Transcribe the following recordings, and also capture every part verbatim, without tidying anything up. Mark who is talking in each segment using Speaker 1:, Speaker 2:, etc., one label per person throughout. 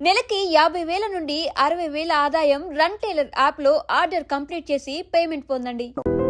Speaker 1: నెలకి యాభై వేల నుండి అరవై వేల ఆదాయం రన్ టైలర్ యాప్ లో ఆర్డర్ కంప్లీట్ చేసి పేమెంట్ పొందండి.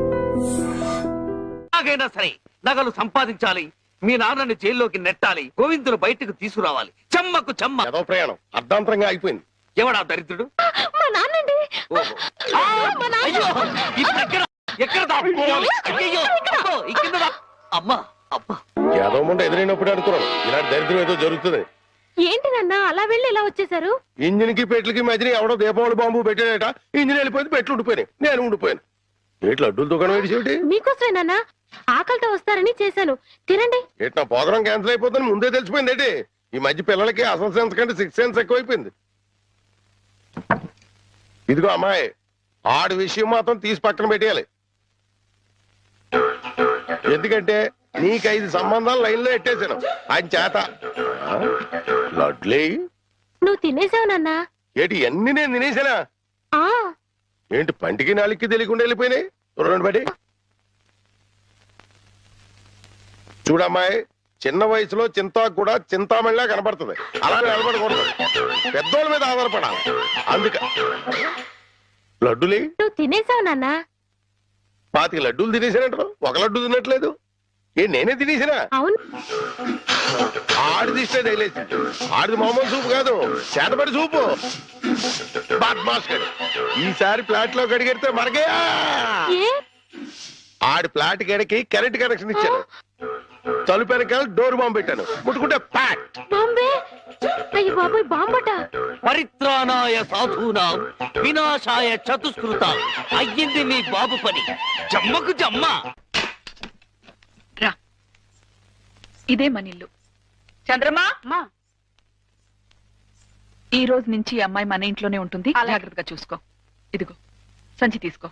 Speaker 2: ఎలాగైనా సరే నగలు సంపాదించాలి, మీ నాన్నని జైల్లోకి నెట్టాలి, గోవిందులు బయటకు తీసుకురావాలి. చెమ్మకు చెమ్మ
Speaker 3: ఏదో ప్రయాణం అర్ధాంతరంగా అయిపోయింది.
Speaker 2: ఎవడా దరిద్రుడు?
Speaker 4: మా నాన్నండి.
Speaker 2: ఓహో. ఆ! అయ్యో! ఇప్పుడు ఎక్కడ ఎక్కడ దాక్కోవాలి? అయ్యయ్యో! అబ్బో! ఈ కింద దా- అమ్మా అబ్బా
Speaker 3: ఏదో ముందు ఎదురైనప్పుడు అనుకున్నాను ఇలాంటి దరిద్రం ఏదో జరుగుతుంది.
Speaker 4: ఏంటి నాన్న అలా వెళ్ళి ఇలా వచ్చేసారు?
Speaker 3: ఇంజిన్ కి పెట్లకి మధ్యన ఎవడో దీపావళి బాంబు పెట్టాడట. ఇంజిన్ వెళ్ళిపోయింది, పెట్లు ఉండిపోయినాయి, నేను ఉండిపోయాను. ఏట్లు అడ్డుల దుకాణం ఏడిసేటి?
Speaker 4: మీకోసమే నాన్న, ఆకలితో వస్తారని చేశాను, తినండి.
Speaker 3: ఏటి నా ప్రోగ్రాం క్యాన్సిల్ అయిపోతుంది ముందే తెలిసిపోయింది ఏంటి? ఈ మధ్య పిల్లలకి అసలు సెన్స్ కంటే సిక్స్ సెన్స్ ఎక్కువైపోయింది. ఇదిగో అమ్మాయి, ఆడి విషయం మాత్రం తీసి పక్కన పెట్టేయాలి. ఎందుకంటే నీకు ఐదు సంబంధాలు లైన్ లో ఎట్టేశాను ఆయన చేత. ఆ? లడ్లీ
Speaker 4: నువ్వు తినేసావు నాన్న.
Speaker 3: ఏటి అన్ని నేను తినేసానా?
Speaker 4: ఆ
Speaker 3: ఏంటి పంటికి నాలుగుకి తెలియకుండా వెళ్ళిపోయినాయి? రెండు బట్టి చూడమ్మాయి, చిన్న వయసులో చింతాకు కూడా చింతామణిలా కనపడుతుంది. అలా నిలబడకూడదు, పెద్దోళ్ళ మీద ఆధారపడాలి. అందుక లడ్డులే
Speaker 4: నువ్వు తినేసావు నాన్న.
Speaker 3: పాతిక లడ్డూలు తినేసానంటారు, ఒక లడ్డు తినట్లేదు. ఏ నేనే తినేసినా?
Speaker 4: అవును.
Speaker 3: ఆడిది ఇష్టే తగిలేసి, ఆడిది మామూలు సూపు కాదు, చేతపడి సూపు. బద్మాష్ గడు. ఈసారి ప్లాట్ లో కడిగెడితే మరగే.
Speaker 4: ఏ
Speaker 3: ఆడి ప్లాట్ గడికి కరెంట్ కనెక్షన్ ఇచ్చాను, తలుపు వెనకాల డోర్ బాంబు పెట్టాను, ముట్టుకుంటే ప్యాట్.
Speaker 4: బాంబే. అయ్యి బాబోయ్, బాంబట.
Speaker 2: పరిత్రాణాయ సాధూనాం వినాశాయ చతుష్కృతాం. అయ్యింది మీ బాబు పని. జమ్మకు జమ్మ.
Speaker 5: రా, ఇదే మన ఇల్లు. చంద్రమా, ఈ రోజు నుంచి ఈ అమ్మాయి మన ఇంట్లోనే ఉంటుంది. జాగ్రత్తగా చూసుకో. ఇదిగో సంచి తీసుకో.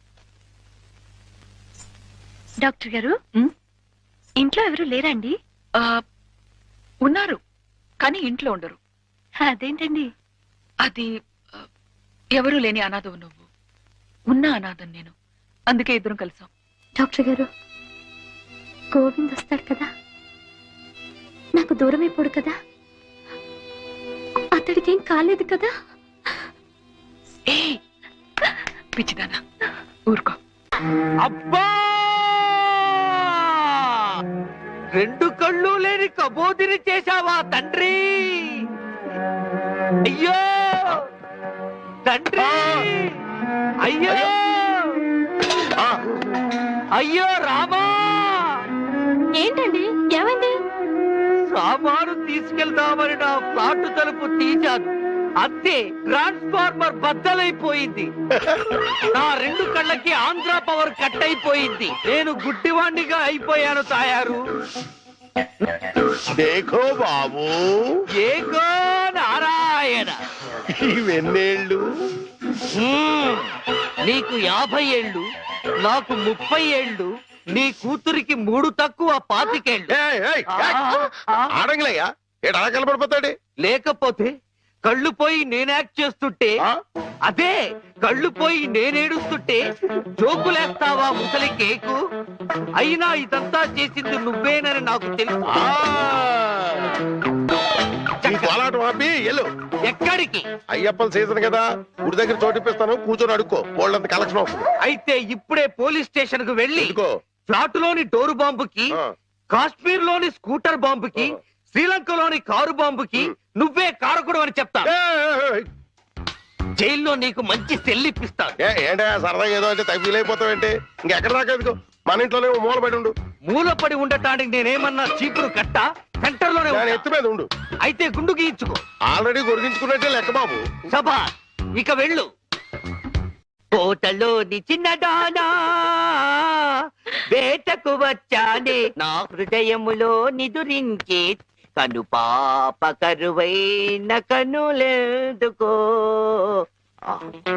Speaker 4: డాక్టర్ గారు,
Speaker 5: ఉమ్,
Speaker 4: ఇంట్లో ఎవరు లేరండి?
Speaker 5: ఆ, ఉన్నారు కానీ ఇంట్లో ఉండరు.
Speaker 4: అదేంటండి?
Speaker 5: అది ఆ, ఎవరూ లేని అనాథవు నువ్వు, ఉన్న అనాథం నేను. అందుకే ఇద్దరం కలిసాం.
Speaker 4: డాక్టర్ గారు, గోవింద్ వస్తాడు కదా, నాకు దూరం అయిపోడు కదా, అతడికి ఏం కాలేదు కదా?
Speaker 5: ఏ పిచ్చిదానా, ఊరుకో.
Speaker 2: అబ్బా! రెండు కళ్ళు లేని కబోదిని చేశావా తండ్రి? అయ్యో తండ్రి, అయ్యో
Speaker 3: ఆ,
Speaker 2: అయ్యో రామా!
Speaker 4: ఏంటండి, ఏమైంది?
Speaker 2: సామాను తీసుకెళ్దామని నా ఫ్లాట్ తలుపు తీశాను, అంతే ట్రాన్స్ఫార్మర్ బద్దలైపోయింది. నా రెండు కళ్ళకి ఆంధ్ర పవర్ కట్ అయిపోయింది. నేను గుడ్డివాణ్ణిగా అయిపోయాను తాయారు.
Speaker 3: దేఖో బాబు,
Speaker 2: ఏకో నారాయణ.
Speaker 3: ఇవెన్నేళ్ళు?
Speaker 2: హ్మ్, నీకు యాభై ఏళ్ళు, నాకు ముప్పై ఏళ్ళు, నీ కూతురికి మూడు తక్కువ పాతికేళ్ళు.
Speaker 3: ఏయ్, ఏయ్, ఏయ్. ఆడంగిలయ్యా, ఏడు అలా కలపడిపోతాడు.
Speaker 2: లేకపోతే కళ్ళు పోయి నేను యాక్ట్ చేస్తుంటే,
Speaker 3: ఆ?
Speaker 2: అదే కళ్ళు పోయి నేనేడుస్తుంటే జోకులేస్తావా ముసలి కేకు? అయినా ఇదంతా చేసింది నువ్వేనని నాకు తెలుసు.
Speaker 3: ఆ. ఈ కోలాటం ఆపి ఎల్లు.
Speaker 2: ఎక్కడికి?
Speaker 3: అయ్యప్పల సీజన్ కదా, గుడి దగ్గర చోటిప్పిస్తాను, కూర్చొని అడుక్కో, వాళ్ళంత కలెక్షన్ అవుతుంది.
Speaker 2: అయితే ఇప్పుడే పోలీస్ స్టేషన్ కు వెళ్ళి
Speaker 3: ఎందుకో?
Speaker 2: ఫ్లాట్ లోని డోరు బాంబుకి,
Speaker 3: ఆ.
Speaker 2: కాశ్మీర్ లోని స్కూటర్ బాంబుకి,
Speaker 3: ఆ.
Speaker 2: శ్రీలంకలోని కారు బాంబుకి నువ్వే కారకుడు అని చెప్తా.
Speaker 3: ఏయ్, ఏయ్, ఏయ్.
Speaker 2: జైల్లో నీకు మంచి సెల్లిప్పిస్తాను.
Speaker 3: ఏ, ఏంటే సరదాగా ఏదో అంటే తగ్గిలైపోతావేంటి? ఇంకెక్కడ దాకా ఎందుకో, మన ఇంట్లోనే ఓ మూల పడి ఉండు.
Speaker 2: మూలపడి ఉండటానికి నేనేమన్నా చీపురు కట్ట సెంటర్ లోనే
Speaker 3: దాని
Speaker 2: ఉంటా.
Speaker 3: ఎత్తు మీద ఉండు.
Speaker 2: అయితే గుండు గీయించుకో.
Speaker 3: ఆల్రెడీ గొరిగించుకున్నట్టే లెక్క బాబు.
Speaker 2: సభా, ఇక వెళ్ళు. కోటలోని చిన్నదానా వేటకు వచ్చానే, నా హృదయములో నిదురించే కను పాప కరువైన కనులెందుకో. ఆ.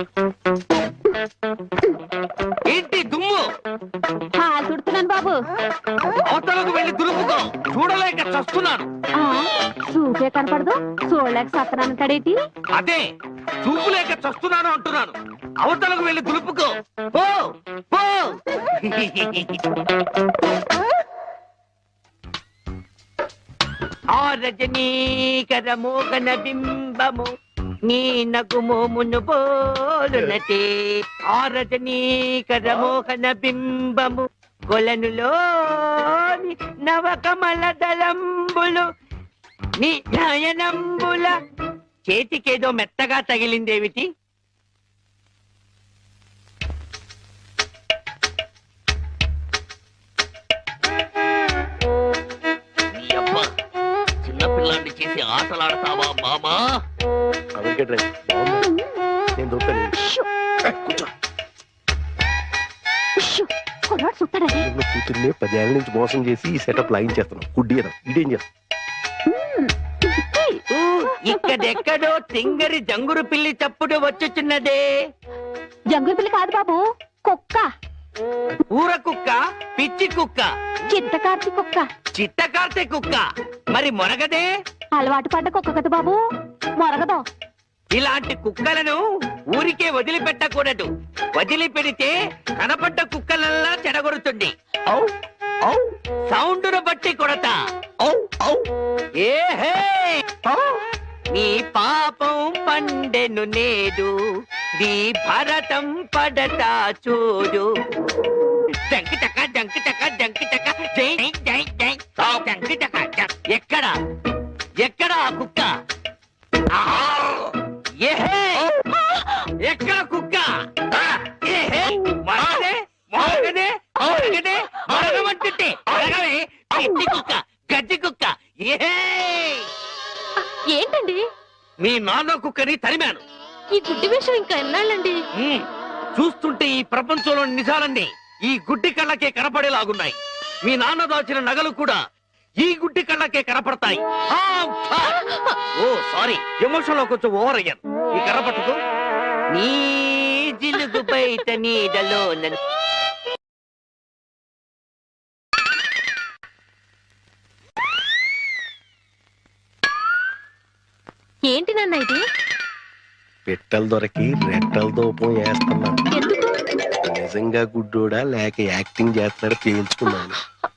Speaker 2: ఏంటి దుమ్ము?
Speaker 4: తుడుతున్నాను బాబు.
Speaker 2: అవతలకు వెళ్ళి దులుపుకో, చూడలేక చస్తున్నాను.
Speaker 4: చూపే కనపడదు, చూడలేక సత్తనాన్ని కడేటి.
Speaker 2: అదే చూపు లేక చస్తున్నాను అంటున్నాను. అవతలకు వెళ్ళి దులుపుకో, పో పో. ఆ రజనీకర మోగన బింబము నీ నగుమోమును పోలునటే ఆ రజనీకర మోహన బింబము కొలనులోని నవకమల దళంబులు నీ నయనంబుల చేతికేదో మెత్తగా తగిలిందేమిటి? నీ అమ్మ చిన్నపిల్లాన్ని చేసి ఆటలాడతావా మామా?
Speaker 3: అమెరికా డ్రైవ్ బాగుంది. నేను దొరుకుతాను. కూర్చో.
Speaker 4: కుర్రాడు చూస్తాడని
Speaker 3: నువ్వు కూతుర్ని పదేళ్ల నుంచి మోసం చేసి ఈ సెటప్ లాగించేస్తున్నావు. గుడ్డి కదా ఇదేం చేస్తావు?
Speaker 2: ఊ, ఇక్కడెక్కడో తింగరి జంగురు పిల్లి చప్పుడు వచ్చుచున్నదే.
Speaker 4: జంగుల పిల్ల కాదు బాబు, కుక్క.
Speaker 2: ఊర కుక్క, పిచ్చి కుక్క,
Speaker 4: చిత్తకార్తి కుక్క.
Speaker 2: చిత్తకార్తె కుక్క. మరి మొరగదే?
Speaker 4: అలవాటు పడ్డ కుక్క కదా బాబు, మొరగదు.
Speaker 2: ఇలాంటి కుక్కలను ఊరికే వదిలిపెట్టకూడదు. వదిలిపెడితే కనపడ్డ కుక్కలల్లా చెడగొడుతుంది. ఔ, ఔ, సౌండును బట్టి కొడతా. ఔ, ఔ, ఏహే, ఔ. నీ పాపం పండెను నేడు, నీ భరతం పడతా చూడు. జంకి చక జంకి చక జంకి చక జై జై జై జంకి చక జం. ఎక్కడ ఎక్కడ ఆ కుక్క? ఆహా! ఏహే! ఎక్కడ కుక్క? ఏహే! మరగదే మరగదే మరగదే మరగమంటుంటే మరగవే పిచ్చి కుక్క, గజ్జి కుక్క. ఏహే!
Speaker 4: ఏంటండి
Speaker 2: మీ నాన్న కుక్కని తరిమాను.
Speaker 4: ఈ గుడ్డి విషయం ఇంకా ఎన్నాళ్ళండి?
Speaker 2: ఉమ్, చూస్తుంటే ఈ ప్రపంచంలోని నిజాలన్నీ ఈ గుడ్డి కళ్ళకే కనపడేలాగున్నాయి. మీ నాన్న దాచిన నగలు కూడా ఈ గుడ్డి కళ్ళకే కనపడతాయి. ఆ, ఫా! ఓ సారీ, ఎమోషన్ లో కొంచెం ఓవర్ అయ్యాను. ఈ కర్ర పట్టుకో. నీ జిలుగు బయట నీడలో నన్ను
Speaker 4: ఏంటి నాన్న ఇది?
Speaker 3: పెట్టెలు దొరికి రెట్టల దూపం వేస్తున్నాను.
Speaker 4: ఎందుకు?
Speaker 3: నిజంగా గుడ్డోడా లేక యాక్టింగ్ చేస్తున్నాడు తేల్చుకున్నాను.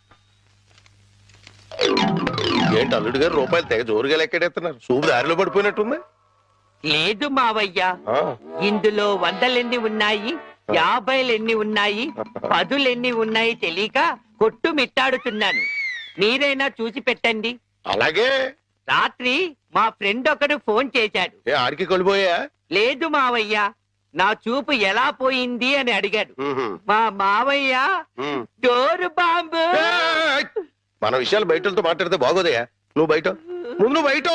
Speaker 3: ఏంటి అల్లుడు గారు రూపాయలు తెగ జోరుగా లెక్కెడేస్తున్నారు? సూపు దారిలో పడిపోయినట్టుంది.
Speaker 2: లేదు మావయ్య,
Speaker 3: ఆ,
Speaker 2: ఇందులో వందలెన్ని ఉన్నాయి, యాభైలెన్ని ఉన్నాయి, పదులెన్ని ఉన్నాయి తెలియక కొట్టు మిట్టాడుతున్నాను. మీరైనా చూసి పెట్టండి.
Speaker 3: అలాగే.
Speaker 2: రాత్రి మా ఫ్రెండ్ ఒకడు ఫోన్ చేశాడు.
Speaker 3: ఏ ఆడికి కొలిపోయా?
Speaker 2: లేదు మావయ్య, నా చూపు ఎలా పోయింది అని అడిగాడు. మా మావయ్య డోరు బాంబు.
Speaker 3: ఏయ్! మన విషయాలు బయటతో మాట్లాడితే బాగోదయా? నువ్వు బయట ముందు నువ్వు బయట.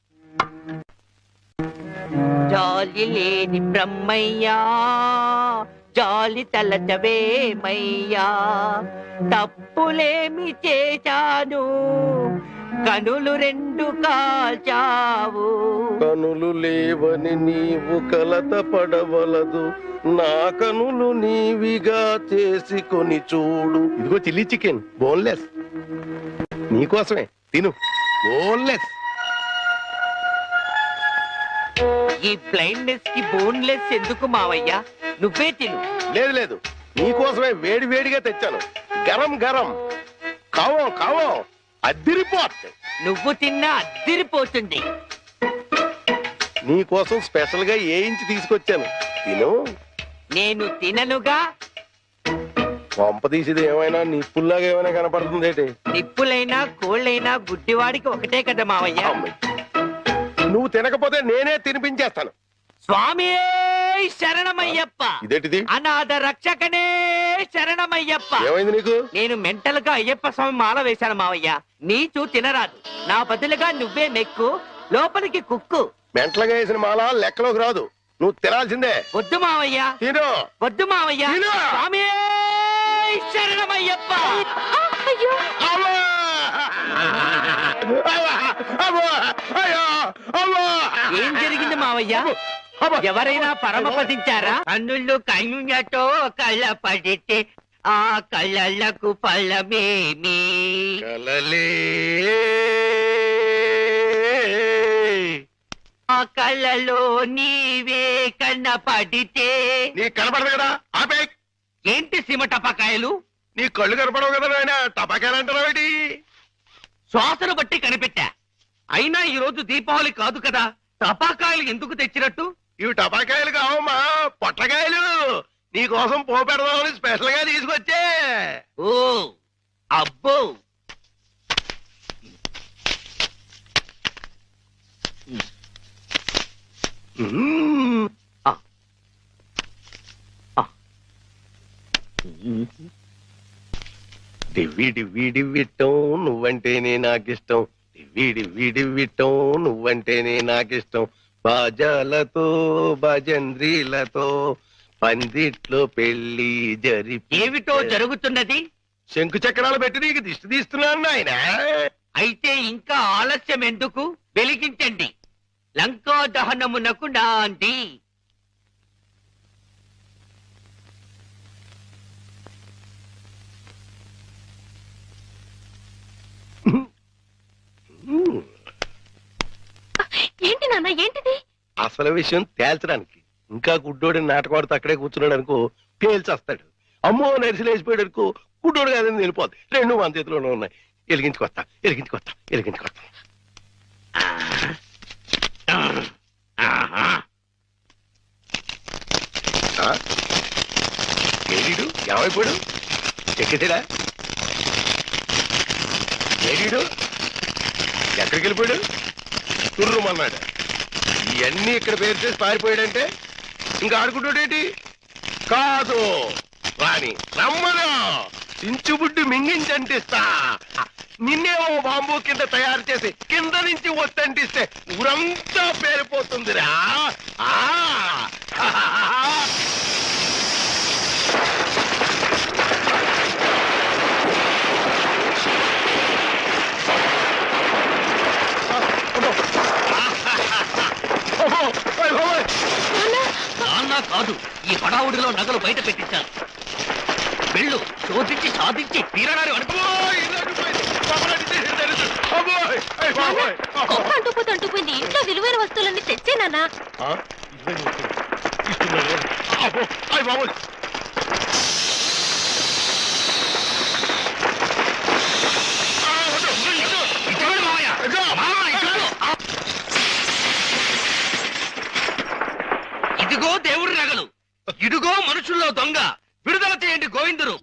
Speaker 2: జాలి లేని బ్రహ్మయ్యా, జాలి తలచవేమయ్యా, తప్పులేమి చేశాను, కనులు రెండు కాల్చావు.
Speaker 3: కనులు లేవని నీవు కలత పడవలదు, నా కనులు నీవిగా చేసుకొని చూడు. ఇదిగో చిల్లీ చికెన్ బోన్లెస్ నీకోసమే, తిను. బోన్లెస్.
Speaker 2: ఈ బ్లైండ్నెస్ కి బోన్లెస్ ఎందుకు మావయ్యా? నువ్వే తిను.
Speaker 3: లేదు లేదు, నీకోసమే వేడి వేడిగా తెచ్చాను. గరం గరం కావం కావం అద్దిరిపోతుంది.
Speaker 2: నువ్వు తిన్నా అద్దిరిపోతుంది.
Speaker 3: నీకోసం స్పెషల్ గా ఏ ఇంచి తీసుకొచ్చాను, తిను.
Speaker 2: నేను తిననుగా.
Speaker 3: పంప తీసేది ఏమైనా నిప్పుల్లాగా ఏమైనా కనపడుతుంది ఏంటి?
Speaker 2: నిప్పులైనా కోళ్ళైనా గుడ్డివాడికి ఒకటే కదా మావయ్య.
Speaker 3: నువ్వు తినకపోతే నేనే తినిపించేస్తాను.
Speaker 2: స్వామి శరణమయ్యప్ప.
Speaker 3: ఇదేంటిది?
Speaker 2: అనాథ రక్షకనే శరణమయ్యప్ప.
Speaker 3: ఏమైంది నీకు?
Speaker 2: నేను మెంటల్ గా అయ్యప్ప స్వామి మాల వేశాను మావయ్య. నీచు తినరాదు, నా బదులుగా నువ్వే మెక్కు, లోపలికి కుక్కు.
Speaker 3: మెంటలుగా వేసిన మాల లెక్కలోకి రాదు, నువ్వు తినాల్సిందే.
Speaker 2: వద్దు మావయ్య,
Speaker 3: తిను.
Speaker 2: వద్దు మావయ్య.
Speaker 3: తిను.
Speaker 2: స్వామి శరణమయ్యప్ప.
Speaker 4: అయ్యో
Speaker 3: అవ్వా! అవ్వా! అవ్వా! అయ్యో! అవ్వా!
Speaker 2: ఏం జరిగింది మావయ్య?
Speaker 3: అవ్వా!
Speaker 2: ఎవరైనా పరమపదించారా? కన్నుళ్ళు కన్నులతో కళ్ళ పడితే ఆ కళ్ళకు ఫలమేమి?
Speaker 3: కలలే
Speaker 2: ఆ కళ్ళలో నీవే కన్న పడితే.
Speaker 3: నీ కనపడదు కదా, ఆపే.
Speaker 2: ఏంటి సీమ టపాకాయలు?
Speaker 3: నీ కళ్ళు కనపడవు కదా నాయన, టపాకాయలు అంటారా?
Speaker 2: శ్వాసను బట్టి కనిపెట్టా. అయినా ఈ రోజు దీపావళి కాదు కదా, టపాకాయలు ఎందుకు తెచ్చినట్టు?
Speaker 3: ఇవి టపాకాయలు కావమ్మా, పొట్లకాయలు. నీకోసం పోపెడదామని స్పెషల్ గా తీసుకొచ్చే.
Speaker 2: ఓ అబ్బో,
Speaker 3: మ్మ్. డివ్వి డివ్వి డివ్విట్టం నువ్వంటేనే నాకిష్టం, డివ్వి డివ్వి డివ్విట్టం నువ్వంటేనే నాకిష్టం. బాజాలతో భజంద్రీలతో పందిట్లో పెళ్లి జరిపి.
Speaker 2: ఏమిటో జరుగుతున్నది?
Speaker 3: శంకు చక్రాలు పెట్టి నీకు దిష్టి తీస్తున్నాను ఆయన.
Speaker 2: అయితే ఇంకా ఆలస్యం ఎందుకు? వెలిగించండి. లంకా దహనమునకు నాంది.
Speaker 4: ఏంటి నాన్న, ఏంటిది?
Speaker 3: అసలు విషయం తేల్చడానికి ఇంకా గుడ్డోడి నాటకవాడితో అక్కడే కూర్చున్నాడు అనుకో, పేల్చేస్తాడు. అమ్మో నరిసిలేసిపోయాడు అనుకో, గుడ్డోడు కాదని వెళ్ళిపోద్ది. రెండు మన చేతిలోనే ఉన్నాయి. ఎలిగించుకొస్తా ఎలిగించుకొస్తా ఎలిగించుకొస్తా. ఏడీడు ఏమైపోయాడు? చెక్కేసాడా? ఏడీడు ఎక్కడికి వెళ్ళిపోయాడు? తుర్రుమన్నాడు. ఇవన్నీ ఇక్కడ పేరు చేసి పారిపోయాడంటే ఇంకా ఆడుకుంటాడేటి? కాదు రాని రమ్మను, చించుబుడ్డి మింగించంటిస్తా. నిన్నేమో బాంబు కింద తయారు చేసి కింద నుంచి వస్తంటిస్తే ఊరంతా పేరిపోతుందిరా. ఆ
Speaker 2: నాన్న కాదు, ఈ హడావుడిలో నగలు బయట పెట్టించాను. వెళ్ళు, శోధించి సాధించి తీరడానికి అనుకో.
Speaker 4: అంటుపోతే అంటుపోయింది. ఇంట్లో విలువైన వస్తువులన్నీ తెచ్చే నాన్న.
Speaker 2: ఇదిగో దేవుడి నగలు, ఇదిగో మనుషుల్లో దొంగ. విడుదల చేయండి గోవిందుడు.